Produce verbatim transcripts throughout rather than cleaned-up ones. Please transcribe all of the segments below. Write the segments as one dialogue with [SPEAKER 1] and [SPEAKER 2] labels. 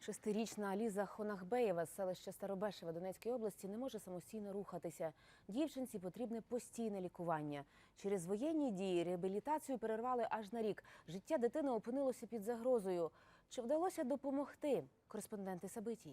[SPEAKER 1] Шестирічна Ліза Хонахбеєва з селища Старобешева Донецької області не може самостійно рухатися. Дівчинці потрібне постійне лікування. Через воєнні дії реабілітацію перервали аж на рік. Життя дитини опинилося під загрозою. Чи вдалося допомогти? Кореспонденти Сабитії.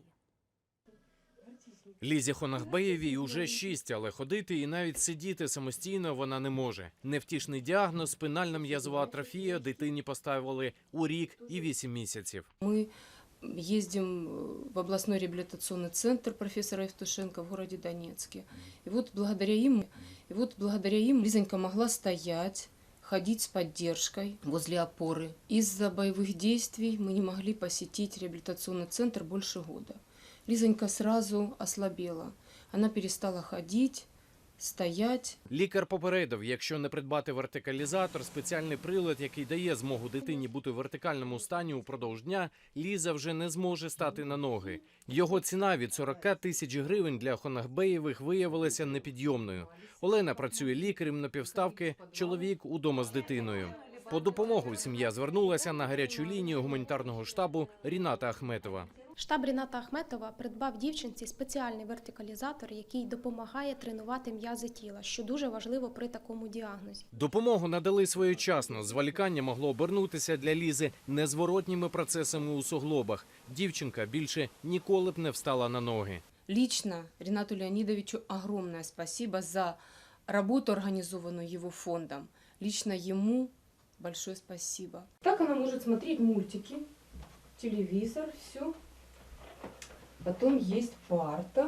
[SPEAKER 2] Лізі Хонахбеєвій уже шість, але ходити і навіть сидіти самостійно вона не може. Невтішний діагноз – спинальна м'язова атрофія дитині поставили у рік і вісім місяців.
[SPEAKER 3] Ми ездим в областной реабилитационный центр профессора Евтушенко в городе Донецке. И вот благодаря им, и вот благодаря им Лизонька могла стоять, ходить с поддержкой возле опоры. Из-за боевых действий мы не могли посетить реабилитационный центр больше года. Лизонька сразу ослабела. Она перестала ходить, стоять.
[SPEAKER 2] Лікар попередив, якщо не придбати вертикалізатор, спеціальний прилад, який дає змогу дитині бути в вертикальному стані упродовж дня, Ліза вже не зможе стати на ноги. Його ціна від сорока тисяч гривень для Хонахбеєвих виявилася непідйомною. Олена працює лікарем на півставки, чоловік удома з дитиною. По допомогу сім'я звернулася на гарячу лінію гуманітарного штабу Ріната Ахметова.
[SPEAKER 4] Штаб Ріната Ахметова придбав дівчинці спеціальний вертикалізатор, який допомагає тренувати м'язи тіла, що дуже важливо при такому діагнозі.
[SPEAKER 2] Допомогу надали своєчасно. Зволікання могло обернутися для Лізи незворотніми процесами у суглобах. Дівчинка більше ніколи б не встала на ноги.
[SPEAKER 3] Лично Ринату Леонидовичу огромное спасибо за работу, организованную его фондом. Лично ему большое спасибо. Так она может смотреть мультики, телевизор, все. Потом есть парта.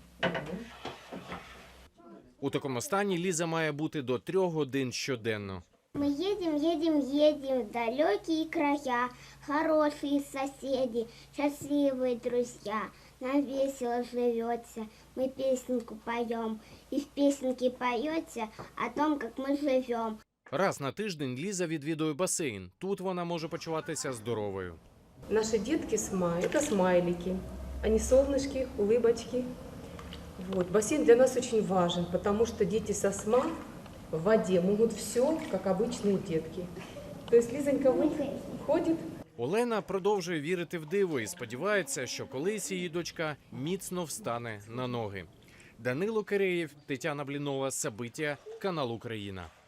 [SPEAKER 2] У такому стані Ліза має бути до трьох годин щоденно.
[SPEAKER 5] Мы едем, едем, едем в далекие края, хорошие соседи, счастливые друзья. Нам весело живется, мы песенку поем, и в песенке поется о том, как мы живем.
[SPEAKER 2] Раз на тиждень Ліза відвідує басейн. Тут вона може почуватися здоровою.
[SPEAKER 3] Наши детки смай, это смайлики. Они солнышки, улыбочки. Вот. Бассейн для нас очень важен, потому что дети со СМА в воде могут все, как обычные детки. То есть Лизонька вот ходит.
[SPEAKER 2] Олена продовжує вірити в диво і сподівається, що колись її дочка міцно встане на ноги. Данило Киреєв, Тетяна Блінова, Сабиття, канал Україна.